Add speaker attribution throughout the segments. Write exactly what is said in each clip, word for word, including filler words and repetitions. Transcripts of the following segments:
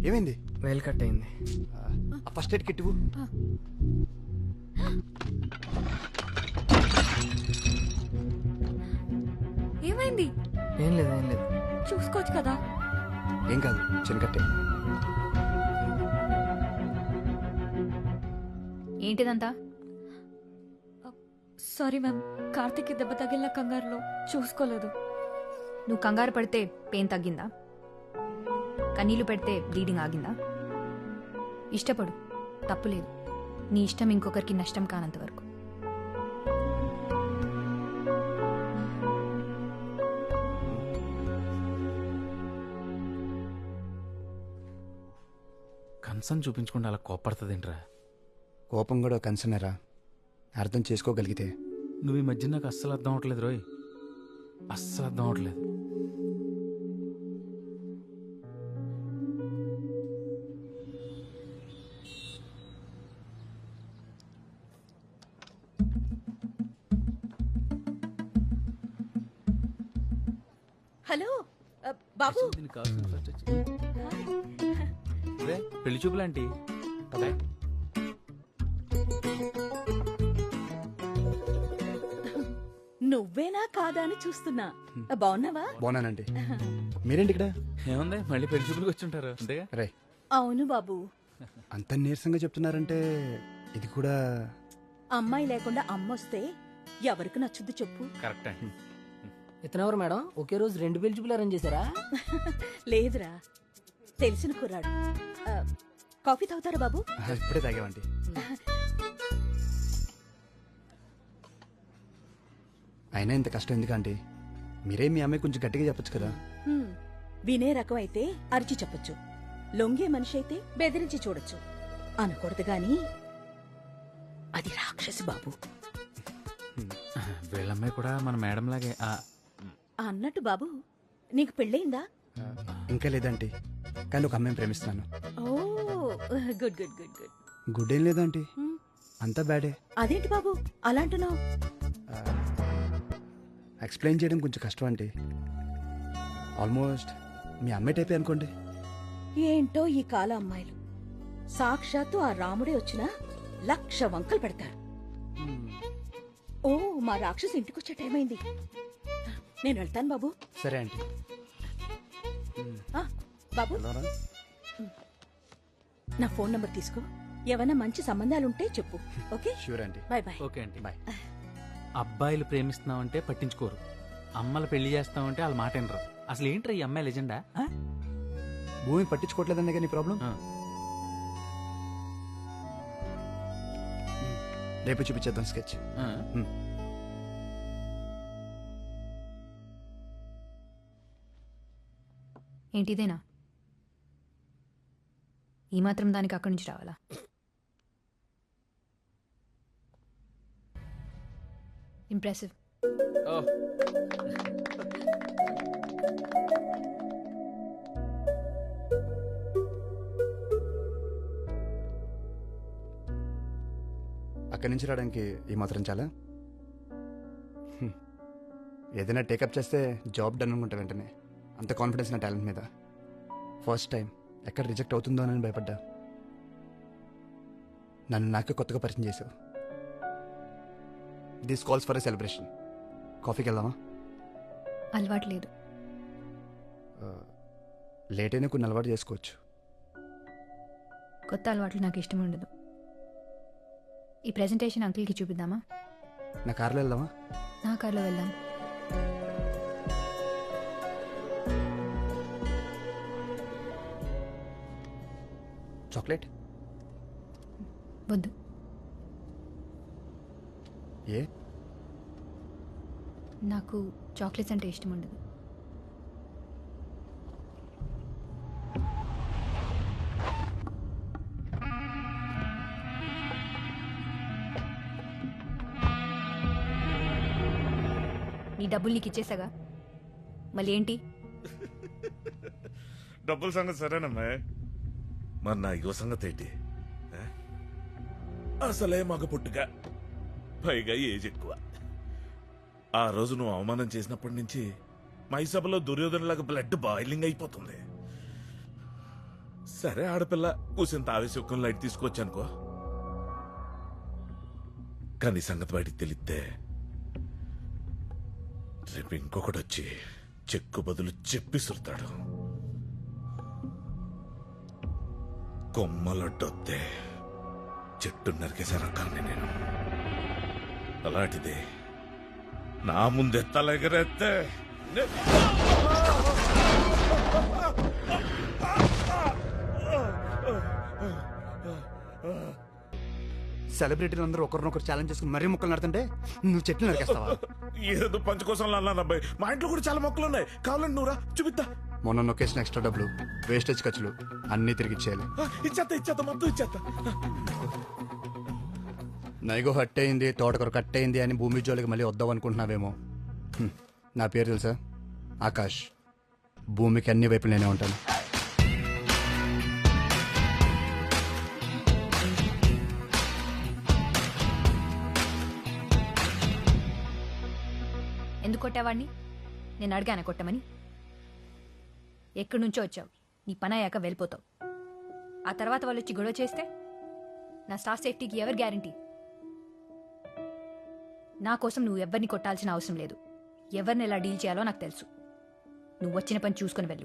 Speaker 1: ఏమైంది?
Speaker 2: వేలు కట్ అయింది.
Speaker 1: ఫస్ట్ ఎయిడ్ కిట్ ఇవ్వు.
Speaker 3: ఏమైంది?
Speaker 2: ఏం లేదు ఏం లేదు.
Speaker 3: చూసుకోవచ్చు కదా.
Speaker 1: ఏం కాదు, చిన్న కట్టే.
Speaker 3: ఏంటిదంతా? సారీ మ్యామ్, కార్తిక్ దెబ్బ తగిలిన కంగారులో చూసుకోలేదు.
Speaker 4: నువ్వు కంగారు పడితే పెయిన్ తగ్గిందా? కన్నీళ్లు పెడితే బ్లీడింగ్ ఆగిందా? ఇష్టపడు, తప్పులేదు. నీ ఇష్టం ఇంకొకరికి నష్టం కానంత వరకు.
Speaker 5: కన్సర్న్ చూపించకుండా అలా కోపడుతుందేంట్రా?
Speaker 1: కోపం కూడా కన్సర్నరా, అర్థం చేసుకోగలిగితే.
Speaker 5: నువ్వు ఈ మధ్య నాకు అస్సలు అర్థం అవట్లేదు రోయ్, అస్సలు అర్థం అవట్లేదు.
Speaker 6: హలో బాబు.
Speaker 5: దీనికి కావాల్సిన first వచ్చి- రే, పెళ్లి చూపులాంటి
Speaker 6: నువ్వేనా కాదా అని చూస్తున్నా. బాగున్నావా?
Speaker 1: బాగున్నానండి. మీరేంటి ఇక్కడ?
Speaker 5: ఏముంది, మళ్ళీ పెళ్లి చూపులకు వచ్చి ఉంటారు అంతేగా.
Speaker 1: రే,
Speaker 6: అవును బాబు.
Speaker 1: అంత నీరసంగా చెప్తున్నారంటే ఇది కూడా.
Speaker 6: అమ్మాయి లేకుండా అమ్మొస్తే ఎవరికి నచ్చుద్ది చెప్పు?
Speaker 5: కరెక్ట్ అండి.
Speaker 2: ఇతనెవరు మేడం? ఒకే రోజు రెండు పెళ్లి చూపులు అరేంజ్ చేశారా?
Speaker 6: లేదురా, తెలిసిన కుర్రాడు. ఆ, కాఫీ తాగుతారా బాబు?
Speaker 1: ఇప్పుడే తాగామండి. అయినా ఇంత కష్టం ఎందుకంటే మీరే మీ అమ్మాయి కొంచెం గట్టిగా చెప్పొచ్చు కదా.
Speaker 6: హ్మ్, వినే రకం అయితే అరిచి చెప్పొచ్చు, లొంగే మనిషి అయితే బెదిరించి చూడొచ్చు. అనకూడదు గాని అది రాక్షసి బాబు.
Speaker 5: వీళ్ళమ్మాయి కూడా మన మేడం లాగే. ఆ,
Speaker 6: అన్నట్టు బాబు, నీకు పెళ్ళయిందా?
Speaker 1: ఇంకా లేదంటే, కానీ ఒక అమ్మాయిని ప్రేమిస్తున్నాను.
Speaker 6: ఓ good good good good.
Speaker 1: Good ఏం లేదంటే,
Speaker 6: హ్మ్,
Speaker 1: అంతా బ్యాడే.
Speaker 6: అదేంటి బాబు అలా అంటున్నావు?
Speaker 1: ఎక్స్ప్లెయిన్ చేయడం కొంచెం కష్టం అంటే. ఆల్మోస్ట్ మీ అమ్మాయి టైపే అనుకోండి.
Speaker 6: ఏంటో ఈ కాల అమ్మాయిలు, సాక్షాత్తు ఆ రాముడే వచ్చినా లక్ష వంకలు పెడతారు. ఓ, మా రాక్షసు ఇంటికొచ్చే టైం అయింది, నేను వెళ్తాను బాబు.
Speaker 1: సరే ఆంటీ.
Speaker 6: ఆ, బాబు నా ఫోన్ నంబర్ తీసుకో, ఏమైనా మంచి సంబంధాలుంటే చెప్పు. Okay,
Speaker 1: sure aunty.
Speaker 6: Bye bye.
Speaker 5: Okay అండి.
Speaker 1: బాయ్.
Speaker 5: అబ్బాయిలు ప్రేమిస్తున్నామంటే పట్టించుకోరు, అమ్మలు పెళ్లి చేస్తామంటే వాళ్ళ మాట వినరు. అసలు ఏంట్రా ఈ అమ్మాయి లెజెండా?
Speaker 1: భూమి పట్టించుకోవట్లేదనే కానీ ప్రాబ్లం. రేపు చూపించేద్దాం స్కెచ్.
Speaker 4: ఏంటిదేనా? ఈ మాత్రం దానికి అక్కడి నుంచి రావాలా? ఇంప్రెసివ్.
Speaker 1: అక్కడి నుంచి రావడానికి ఈ మాత్రం చాలా. హ్మ్. ఏదైనా టేకప్ చేస్తే జాబ్ డన్ అనుకుంటా వెంటనే. అంత కాన్ఫిడెన్స్ నా టాలెంట్ మీద. ఫస్ట్ టైం ఎక్కడ రిజెక్ట్ అవుతుందో అని భయపడ్డా. నన్ను నాకే కొత్తగా పరిచయం చేసావు. This calls for a celebration. కాఫీకి వెళ్దామా?
Speaker 4: అలవాటు లేదు.
Speaker 1: లేట్ అయినా కొన్ని అలవాటు చేసుకోవచ్చు.
Speaker 4: కొత్త అలవాట్లు నాకు ఇష్టం ఉండదు. ఈ ప్రెజెంటేషన్ అంకుల్కి చూపిద్దామా?
Speaker 1: నా కార్లో వెళ్దామా?
Speaker 4: నా కార్లో వెళ్దాం.
Speaker 1: చాక్లెట్
Speaker 4: వద్దు.
Speaker 1: ఏ?
Speaker 4: నాకు చాక్లెట్స్ అంటే ఇష్టం ఉండదు. నీ డబ్బులు నీకు ఇచ్చేసాగా, మళ్ళీ ఏంటి?
Speaker 7: డబ్బుల సంగతి సరేనమ్మా, మరి నా యువ సంగతి ఏంటి? అసలే మగ పుట్టుగా, పైగా ఏజ్ ఎక్కువ. ఆ రోజు నువ్వు అవమానం చేసినప్పటి నుంచి మై సభలో దుర్యోధనలాగా బ్లడ్ బాయిలింగ్ అయిపోతుంది. సరే ఆడపిల్ల కూసింత ఆవేశం లైట్ తీసుకొచ్చానుకో, కానీ సంగతి బయటికి తెలిస్తే రేపు ఇంకొకటి వచ్చి చెక్కు బదులు చెప్పిసురుతాడు. కొమ్మలొడ్డొత్తే చెట్టు నరికేసే రకాన్ని నేను. అలాంటిది నా ముందే తలెగరేస్తే నే-
Speaker 1: సెలబ్రిటీలు అందరూ ఒకరినొకరు ఛాలెంజ్ చేసుకుని మరీ మొక్కలు నడుతుంటే నువ్వు చెట్లు నరికేస్తావా?
Speaker 7: ఏదో పంచ కోసం అన్నాను అబ్బాయి. మా ఇంట్లో కూడా చాలా మొక్కలు ఉన్నాయి, కావాలండి నువ్వురా చూపిస్తా.
Speaker 1: మొన్న నొక్కేసిన ఎక్స్ట్రా డబ్బులు, వేస్టేజ్ ఖర్చులు అన్నీ తిరిగి ఇచ్చేయాలి.
Speaker 7: ఆ, ఇచ్చేత్తా ఇచ్చేత్తా మొత్తం ఇచ్చేత్తా.
Speaker 1: నైగో హట్ అయింది, తోటకూర కట్ అయింది అని భూమి జోలికి మళ్ళీ వద్దాం అనుకుంటున్నావేమో. హ్మ్. నా పేరు తెలుసా? ఆకాష్. భూమికి అన్ని వైపులు నేనే ఉంటాను.
Speaker 4: ఎందుకు కొట్టావాడిని? నేను అడిగాను కొట్టమని. ఎక్కడి నుంచో వచ్చావు, నీ పని అయ్యాక వెళ్ళిపోతావు. ఆ తర్వాత వాళ్ళు వచ్చి గొడవ చేస్తే నా స్టాఫ్ సేఫ్టీకి ఎవరు గ్యారంటీ? నా కోసం నువ్వు ఎవరిని కొట్టాల్సిన అవసరం లేదు. ఎవరిని ఎలా డీల్ చేయాలో నాకు తెలుసు. నువ్వు వచ్చిన పని చూసుకొని వెళ్ళు.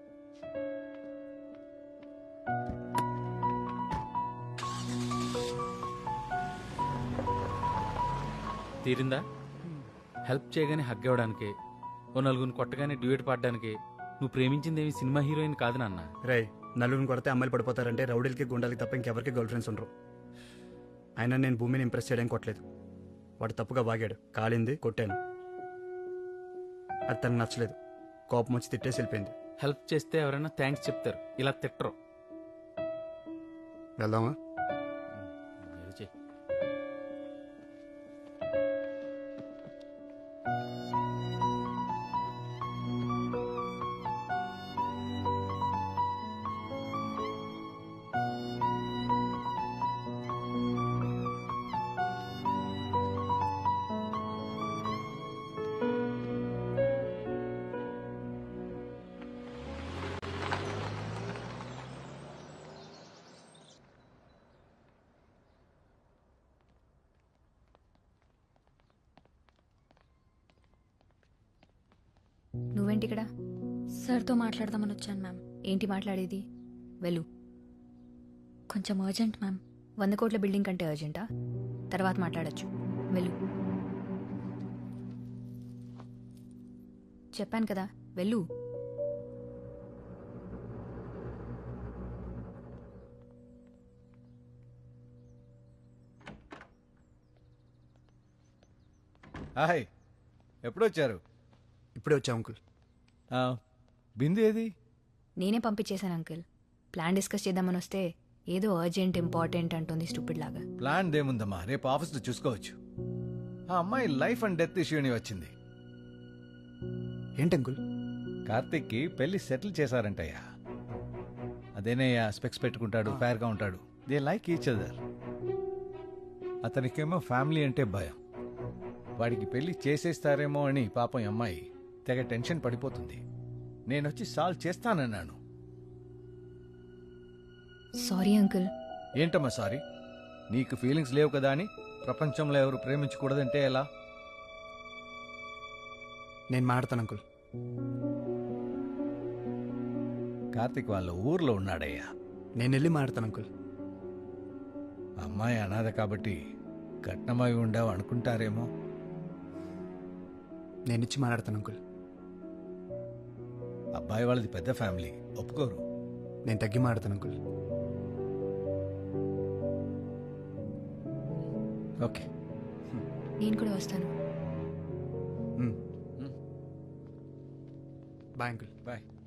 Speaker 5: తీరిందా? హెల్ప్ చేయగానే హగ్ ఇవ్వడానికి, ఓ నలుగురిని కొట్టగానే డ్యూయట్ పాడడానికి నువ్వు ప్రేమించిందేమి సినిమా హీరోయిన్ కాదు నాన్న.
Speaker 1: రే, నలుగురిని కొడితే అమ్మాయిలు పడిపోతారంటే రౌడీలకి గుండాలకి తప్ప ఇంకెవరికి గర్ల్ ఫ్రెండ్స్ ఉండరు. అయినా నేను భూమిని ఇంప్రెస్ చేయడానికి కొట్టలేదు. వాడు తప్పుగా వాగాడు, కాలింది, కొట్టాను. అది తనకు నచ్చలేదు. కోపం వచ్చి తిట్టేసి వెళ్ళిపోయింది.
Speaker 5: హెల్ప్ చేస్తే ఎవరైనా థ్యాంక్స్ చెప్తారు, ఇలా తిట్టరు.
Speaker 1: వెళ్దామా?
Speaker 5: ఏదో చెయ్.
Speaker 4: నువ్వేంటి ఇక్కడ?
Speaker 3: సార్తో మాట్లాడదామని వచ్చాను మ్యామ్.
Speaker 4: ఏంటి మాట్లాడేది? వెళ్ళు.
Speaker 3: కొంచెం అర్జెంట్ మ్యామ్.
Speaker 4: వంద కోట్ల బిల్డింగ్ కంటే అర్జెంటా? తర్వాత మాట్లాడచ్చు. వెళ్ళు. చెప్పాను కదా, వెళ్ళు.
Speaker 8: హాయ్, ఎప్పుడొచ్చారు?
Speaker 1: ఇప్పుడే వచ్చా అంకుల్.
Speaker 8: ఆ, బిందు ఏది?
Speaker 4: నేనే పంపించేశాను అంకుల్. ప్లాన్ డిస్కస్ చేద్దామని వస్తే ఏదో అర్జెంట్ ఇంపార్టెంట్ అంటుంది స్టూపిడ్ లాగా.
Speaker 8: ప్లాన్ దేముందమ్మా, రేపు ఆఫీస్లో చూసుకోవచ్చు. ఆ అమ్మాయి లైఫ్ అండ్ డెత్ ఇష్యూని వచ్చింది.
Speaker 1: ఏంటి అంకుల్?
Speaker 8: కార్తిక్కి పెళ్లి సెటిల్ చేశారంటయ్యా. అదేనయ్యా, స్పెక్స్ పెట్టుకుంటాడు, ఫేర్గా ఉంటాడు. They like each other. అతనికేమో ఫ్యామిలీ అంటే భయం. వాడికి పెళ్లి చేసేస్తారేమో అని పాపం ఈ అమ్మాయి తెగ టెన్షన్ పడిపోతుంది. నేనొచ్చి సాల్వ్ చేస్తానన్నాను.
Speaker 4: Sorry uncle.
Speaker 8: ఏంటమ్మా సారీ? నీకు ఫీలింగ్స్ లేవు కదా అని ప్రపంచంలో ఎవరు ప్రేమించకూడదంటే ఎలా?
Speaker 1: నేను మాడతాను అంకుల్.
Speaker 8: కార్తిక్ వాళ్ళ ఊర్లో ఉన్నాడయ్యా.
Speaker 1: నేను వెళ్ళి మాడతాను అంకుల్.
Speaker 8: అమ్మాయి అనాథ కాబట్టి కట్నమై ఉండవు అనుకుంటారేమో.
Speaker 1: నేను ఇచ్చి మాట్లాడతాను అంకుల్.
Speaker 8: అబ్బాయి వాళ్ళది పెద్ద ఫ్యామిలీ, ఒప్పుకోరు.
Speaker 1: నేను తగ్గి మాడతాను అంకుల్.
Speaker 8: ఓకే,
Speaker 4: నేను కూడా వస్తాను.
Speaker 1: Bye uncle.
Speaker 8: బాయ్.